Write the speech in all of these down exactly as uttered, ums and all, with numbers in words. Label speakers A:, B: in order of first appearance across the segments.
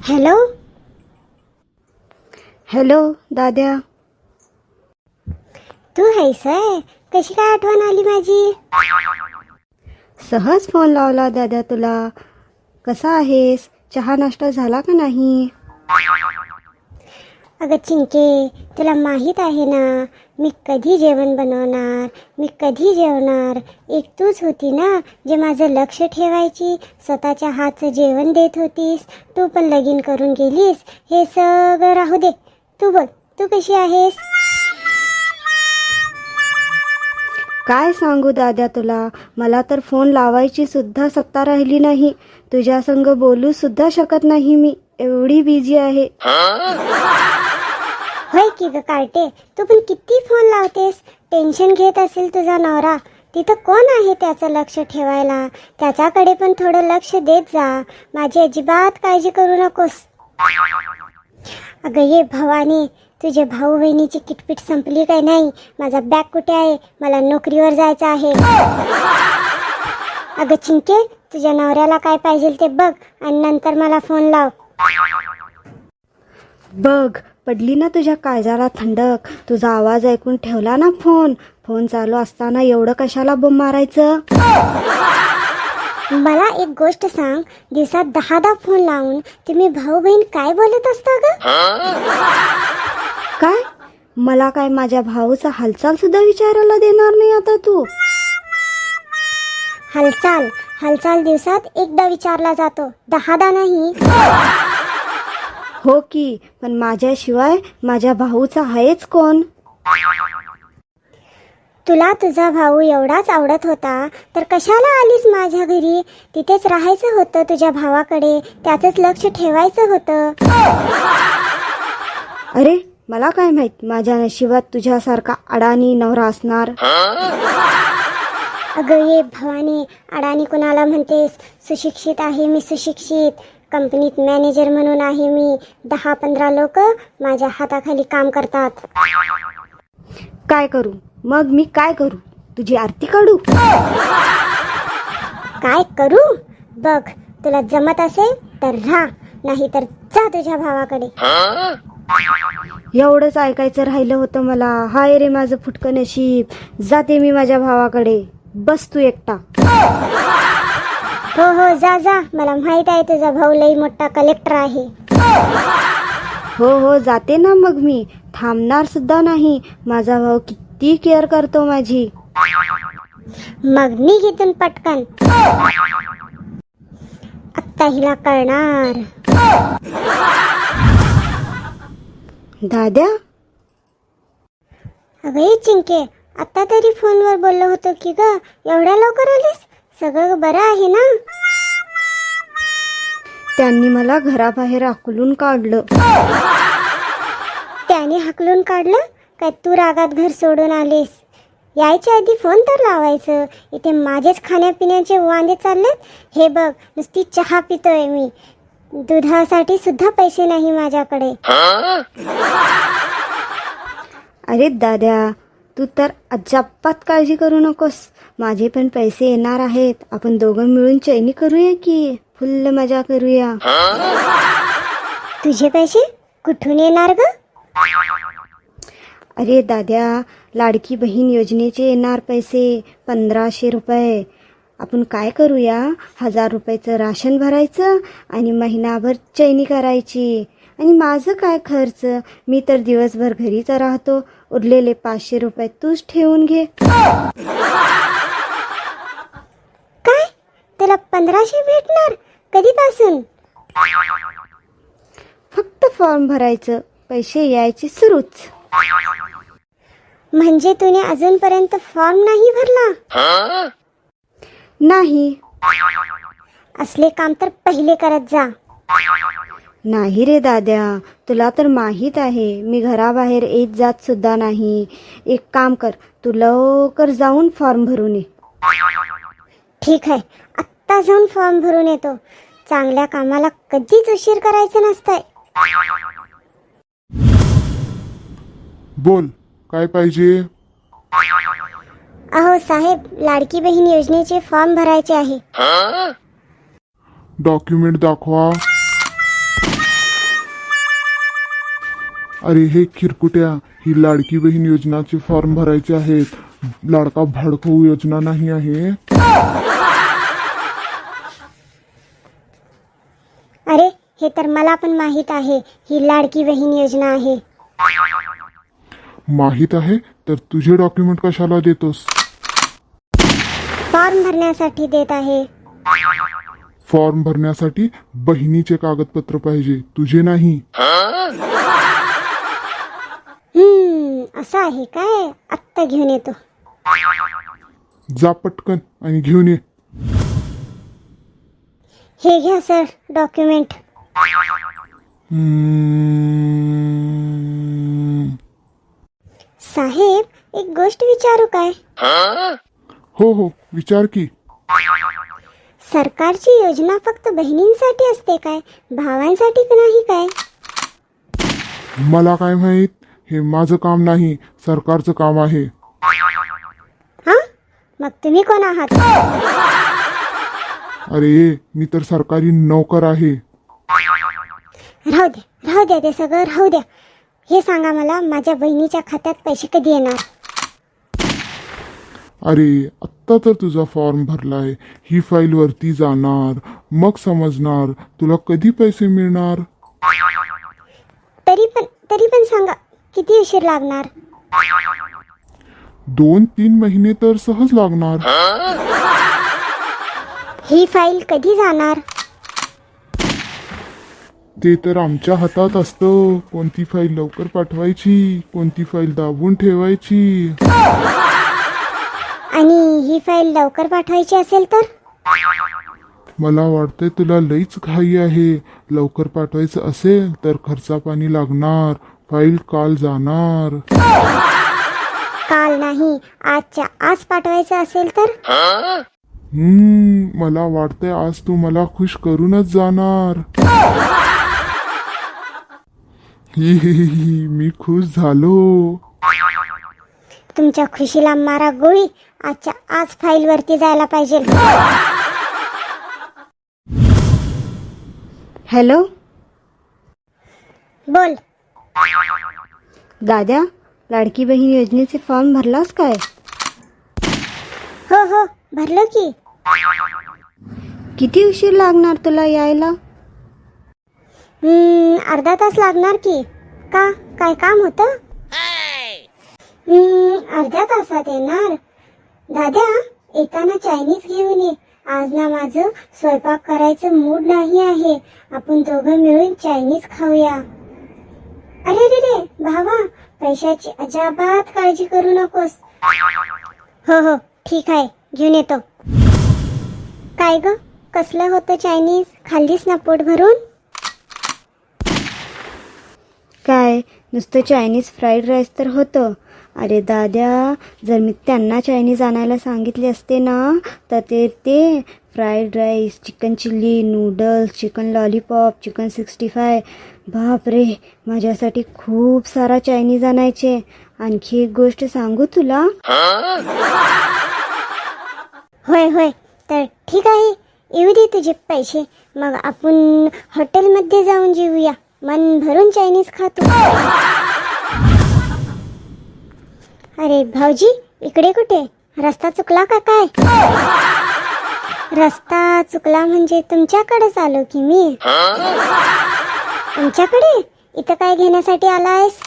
A: Hello
B: hello दाद्या,
A: तू आहेस आहे? कशी काय आठवण आली माझी?
B: सहज फोन लावला दाद्या तुला. कसा आहेस? चहा नाश्ता झाला का नाही?
A: अगं चिंके, तुला माहीत आहे ना मी कधी जेवण बनवणार, मी कधी जेवणार. एक तूच होती ना जे माझं लक्ष ठेवायची, स्वतःच्या हातचं जेवण देत होतीस. तू पण लगीन करून गेलीस. हे सगळं राहू दे, तू बोल, तू कशी आहेस?
B: काय सांगू दाद्या तुला, मला तर फोन लावायची सुद्धा सत्ता राहिली नाही. तुझ्या संग बोलू सुद्धा शकत नाही मी, एवढी बिझी आहे.
A: होय की ग कार्टे, तू पण किती फोन लावतेस. टेन्शन घेत असेल तुझा नवरा, तिथं कोण आहे त्याचं लक्ष ठेवायला? त्याच्याकडे पण थोडं लक्ष देत जा. माझी अजिबात काळजी करू नकोस. अगं ये भवानी, तुझे भाऊ बहिणीची किटपिट संपली काय नाही? माझा बॅग कुठे आहे? मला नोकरीवर जायचं आहे. अगं चिंके, तुझ्या नवऱ्याला काय पाहिजे ते बघ आणि नंतर मला फोन लाव.
B: बघ, पडली ना तुझ्या काळजाला थंडक. तुझा आवाज ऐकून ठेवला ना फोन. फोन चालू असताना एवढं कशाला बोंब मारायचं?
A: मला एक गोष्ट सांग, दिवसात दहा दहा फोन लावून तुम्ही भाऊ बहीण काय बोलत असता ग?
B: काय? मला काय माझ्या भाऊचा हालचाल सुद्धा विचारायला देणार नाही आता तू?
A: हालचाल हालचाल दिवसात एकदा विचारला जातो, दहादा नाही.
B: हो की, पण माझ्याशिवाय माझ्या भाऊचा आहेच कोण?
A: तुला तुझा भाऊ एवढाच आवडत होता तर कशाला आलीस माझ्या घरी? तिथेच राहायचं होतं तुझ्या भावाकडे, त्याचंच लक्ष ठेवायचं होतं.
B: अरे मला काय माहित माझ्या नशिबात तुझ्यासारखा अडाणी नवरा असणार.
A: अगं ये भवानी, अडाणी कुणाला म्हणतेस? सुशिक्षित आहे मी, सुशिक्षित. कंपनीत मॅनेजर म्हणून आहे मी. दहा पंधरा लोक माझ्या हाताखाली काम करतात.
B: काय करू मग? मी काय करू? तुझी आरती काढू?
A: काय करू? बघ, तुला जमत असेल तर राहा, नाही तर जा तुझ्या भावाकडे.
B: एवढंच ऐकायचं राहिलं होतं मला. हाय रे माझं फुटकं नशीब. जाते मी माझ्या भावाकडे. बस तू एकटा.
A: हो हो जा जा, मला माहित आहे तुझा भाऊ लई मोठा कलेक्टर आहे.
B: हो हो जाते ना मग मी. थांबणार सुद्धा नाही. माझा भाऊ किती केअर करतो माझी.
A: मग निघ इथून पटकन, आत्ता हिला कळणार.
B: दाद्या,
A: अगं ये चिंके, आता तरी फोनवर बोललो होतो की ग, एवढ्या लवकर आलीस? सगळं बरं आहे ना?
B: त्यांनी मला घराबाहेर हाकलून काढलं.
A: त्याने हाकलून काढलं काय? तू रागात घर सोडून आलीस? यायच्या आधी फोन तर लावायचं. इथे माझेच खाण्यापिण्याचे वांदे चाललेत. हे बघ, नुसती चहा पितोय मी, दुधासाठी सुद्धा पैसे नाही माझ्याकडे.
B: अरे दाद्या, तू तर अजिबात काळजी करू नकोस. माझे पण पैसे येणार आहेत. आपण दोघं मिळून चैनी करूया की, फुल्ल मजा करूया.
A: तुझे पैसे कुठून येणार ग?
B: अरे दाद्या, लाडकी बहीण योजनेचे येणार पैसे पंधराशे रुपये. आपण काय करूया, हजार रुपयाचं राशन भरायचं आणि महिनाभर चैनी करायची. आणि माझं काय खर्च? मी तर दिवसभर घरीच राहतो. उरलेले पाचशे रुपये तूच ठेवून घे.
A: काय? तुला पंधराशे भेटणार? कधीपासून?
B: फक्त फॉर्म भरायचं, पैसे यायचे सुरूच.
A: म्हणजे तुने अजूनपर्यंत फॉर्म नाही भरला?
B: नाही.
A: असले काम तर पहिले करत जा.
B: नाही रे दाद्या, तुला तर माहीत आहे मी घराबाहेर येत जात सुद्धा नाही. एक काम कर, तू लवकर जाऊन फॉर्म भरून ये.
A: ठीक आहे, आत्ता जाऊन फॉर्म भरून येतो. चांगल्या कामाला कधीच उशीर करायचं नसतंय.
C: बोल, काय पाहिजे?
A: अहो साहेब, लाडकी बहीण योजनेचे फॉर्म भरायचे आहे.
C: डॉक्युमेंट दाखवा. अरे हे खिरकुट्या, ही लाडकी बहीण योजनाचे फॉर्म भरायचे आहेत. लाडका भाडकू योजना नाही आहे.
A: अरे हे तर मला पण माहीत आहे, ही लाडकी बहीण योजना आहे.
C: माहित आहे तर तुझे डॉक्युमेंट कशाला देतोस?
A: फॉर्म भरण्यासाठी देत आहे.
C: फॉर्म भरण्यासाठी बहिणीचे कागदपत्र पाहिजे, तुझे नाही.
A: हम्म असं आहे काय? आत्ता घेऊन येतो.
C: जा पटकन आणि घेऊन ये.
A: हे घ्या सर डॉक्युमेंट.
C: हम्म.
A: साहेब एक गोष्ट विचारू काय?
C: हो हो विचार की.
A: सरकारची योजना फक्त बहिणींसाठी असते काय? भावांसाठी नाही काय?
C: मला काय माहित, हे माझं काम नाही, सरकारचं काम आहे.
A: हा मग तुम्ही कोण आहात?
C: अरे मी तर सरकारी नोकर आहे.
A: राहू द्या राहू द्या ते सगळं राहू द्या. हे सांगा मला, माझ्या बहिणीच्या खात्यात पैसे कधी येणार?
C: अरे आत्ता तर तुझा फॉर्म भरलाय, ही फाईल वरती जाणार, मग समजणार तुला कधी पैसे मिळणार.
A: तरी पण तरी पण सांगा किती उशीर लागणार?
C: दोन तीन महिने तर सहज लागणार.
A: ही फाईल कधी जाणार?
C: ते तर आमच्या हातात असतं, कोणती फाईल लवकर पाठवायची, कोणती फाईल दाबून ठेवायची.
A: आणि ही फाईल लवकर पाठवायची असेल तर?
C: मला वाटतंय तुला लईच घाई आहे. लवकर पाठवायचं असेल तर खर्चा पाणी लागणार, फाईल काल जाणार.
A: काल नाही, आजच्या आज पाठवायचं असेल तर?
C: हम्म मला वाटतंय आज तू मला खुश करूनच जाणार. ही ही ही ही, मी खुश झालो.
A: तुमच्या खुशीला मारा गोळी. आजच्या आज फाईल वरती जायला पाहिजे.
B: हॅलो
A: बोल.
B: दाद्या, लाडकी बहीण योजनेचे फॉर्म भरलास काय?
A: हो हो भरलो की.
B: किती उशीर लागणार तुला यायला?
A: हम्म अर्धा तास लागणार की. का काय काम होतं? हम्म अर्ध्या तासात येणार. दादा येताना चायनीज घेऊन ये. आज ना माझं स्वयंपाक करायचं मूड नाही आहे. आपण दोघं मिळून चायनीज खाऊया. अरे रे रे भावा, पैशाची अजिबात काळजी करू नकोस. हो हो ठीक आहे, घेऊन येतो. काय ग कसलं होतं चायनीज? खाल्लीस ना पोट भरून?
B: काय नुसतं चायनीज फ्राईड राईस तर होतं. अरे दाद्या, जर मी त्यांना चायनीज आणायला सांगितले असते ना, तर ते ते fried rice, chicken chilli, noodles, chicken lollipop, chicken sixty five, बापरे माझ्यासाठी खूप सारा चायनीज आणायचे. आणखी एक गोष्ट सांगू तुला?
A: होय होय तर ठीक आहे, येऊ दे तुझे पैसे. मग आपण हॉटेलमध्ये जाऊन जेवूया. मन भरून चायनीज खातो. अरे भाऊजी, इकडे कुठे? रस्ता चुकला का काय? रस्ता चुकला म्हणजे तुमच्याकडेच आलो की मी. आमच्याकडे? इथं काय घेण्यासाठी आलायस?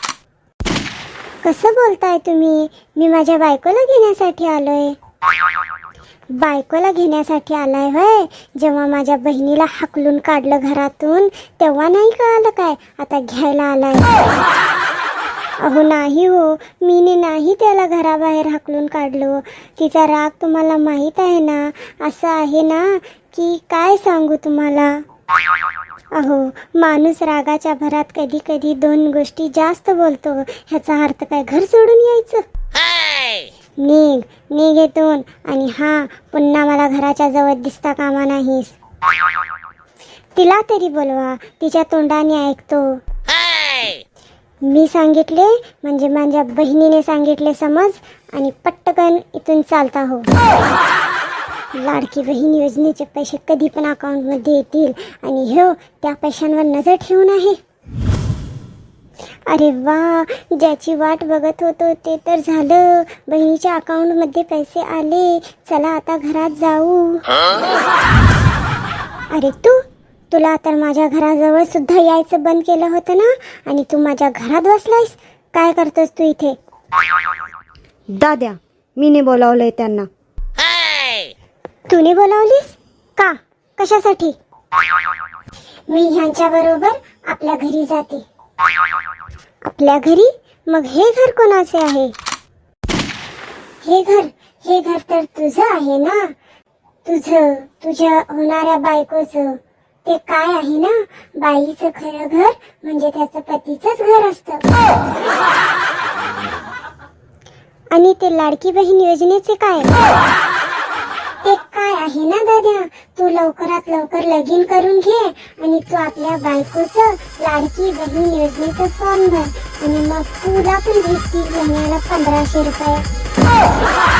A: कसं बोलताय तुम्ही? मी माझ्या बायकोला घेण्यासाठी आलोय. बायकोला घेण्यासाठी आलाय होय? जेव्हा माझ्या बहिणीला हाकलून काढलं घरातून तेव्हा नाही कळालं काय? आता घ्यायला आलाय? अहो नाही हो, मीने नाही त्याला घराबाहेर हाकलून काढलो. तिचा राग तुम्हाला माहीत आहे ना. असं आहे ना की काय सांगू तुम्हाला. अहो माणूस रागाच्या भरात कधी कधी दोन गोष्टी जास्त बोलतो. ह्याचा अर्थ काय घर सोडून यायचं? निघ निघ येतून. आणि हा पुन्हा मला घराच्या जवळ दिसता कामा नाहीस. तिला तरी बोलवा, तिच्या तोंडाने ऐकतो. मी सांगितले म्हणजे माझ्या बहिणीने सांगितले समज. आणि पटकन इथून चालता हो. लाडकी बहीण योजनेचे पैसे कधी पण अकाउंटमध्ये येतील आणि हो त्या पैशांवर नजर ठेवून आहे. अरे वा, ज्याची वाट बघत होतो ते तर झालं. बहिणीच्या अकाउंटमध्ये पैसे आले. चला आता घरात जाऊ. अरे तू तुला तर माझ्या घराजवळ सुद्धा यायचं बंद केलं होतं ना, आणि तू माझ्या घरात बसलायस. काय करतोस तू इथे?
B: दाद्या, मीने बोलावलंय त्यांना.
A: तूने बोलावलीस का? कशासाठी? मी ह्यांच्या बरोबर आपल्या घरी जाते. आपल्या घरी? मग हे घर कोणाचे आहे? हे घर हे घर तर तुझं आहे ना. तुझं तुझ्या होणाऱ्या बायकोचं. ते काय आहे ना, बाईचं खरं घर म्हणजे त्याचं पतीचंच घर असतं. आणि ते लाडकी बहीण योजनेचे काय? ते काय आहे ना दादा, तू लवकरात लवकर लगीन करून घे आणि तू आपल्या बायकोचं लाडकी बहीण योजनेचं फॉर्म भर, आणि मग तुला पण भेटतील महिन्याला पंधराशे रुपये.